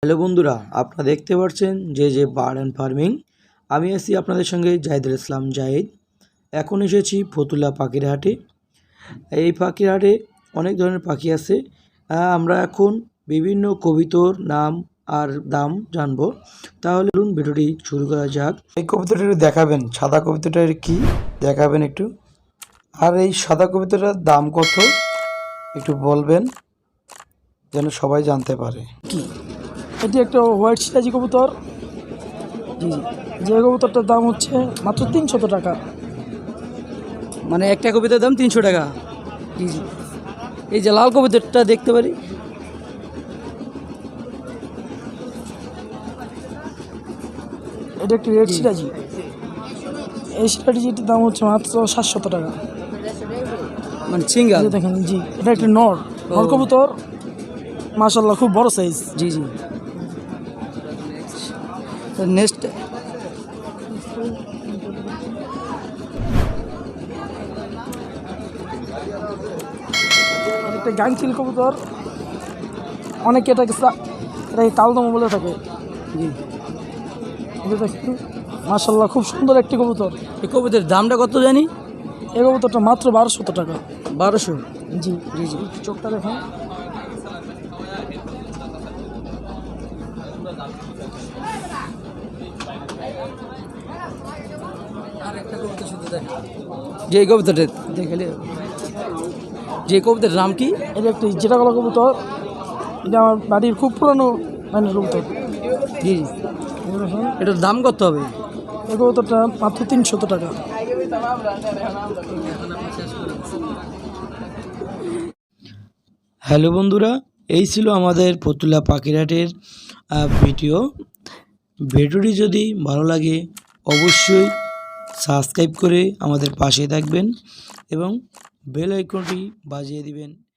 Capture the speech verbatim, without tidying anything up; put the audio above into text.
Hello বন্ধুরা, আপনারা দেখতে পাচ্ছেন যে যে বার্ড অ্যান্ড ফার্মিং। আমি আছি আপনাদের সঙ্গে জাহিদুল ইসলাম জাহিদ। এখন এসেছি ফতুল্লা পাখির হাটে। এই পাখির হাটে অনেক ধরনের পাখি আছে। আহ, আমরা এখন বিভিন্ন কবিতর নাম আর দাম জানবো। তাহলে চলুন ভিডিওটি শুরু করা যাক। এই কবিতাটা একটু দেখাবেন, সাদা কবিতাটার কি দেখাবেন একটু, আর এই সাদা কবিতাটার দাম কত একটু বলবেন যেন সবাই জানতে পারে। কি এটি একটা হোয়াইট সিরাজি কবুতর। জি জি যে কবুতরটার দাম হচ্ছে মাত্র তিনশত টাকা। মানে একটা কবিতার দাম তিনশো টাকা। জি জি এই যে লাল কবিতাটা দেখতে পারি, এটা একটি রেড সিরাজি। এই সিরাজিটির দাম হচ্ছে মাত্র সাতশত টাকা। মানে সিঙ্গাল। এই যে দেখেন, জি এটা একটি নর নর কবুতর, মাশাআল্লাহ খুব বড় সাইজ। জি জি নেক্সট একটা গাংচিল কবুতর, অনেকে এটাকে সা- এটাকে কালদম বলে থাকে। জি এটা দেখেন, মাশাআল্লাহ খুব সুন্দর একটি কবুতর। এই কবিতার দামটা কত জানি? এই কবুতরটা মাত্র বারোশত টাকা। বারোশো। জি জি জি চোখটা দেখেন। যে এই কবিতাটা দেখালে, যে কবিতার নাম কি? এটা একটি যেটা গলা কবুতর, এটা আমার বাড়ির খুব পুরানো লাইনের কবুতর। জি জি এই দেখেন, এটার দাম কত হবে? এই কবুতরটা মাত্র তিনশত টাকা। হ্যালো বন্ধুরা, এই ছিল আমাদের ফতুল্লা পাখিরহাটের ভিডিও। ভিডিওটি যদি ভালো লাগে অবশ্যই সাবস্ক্রাইব করে আমাদের পাশে থাকবেন এবং বেল আইকনটি বাজিয়ে দিবেন।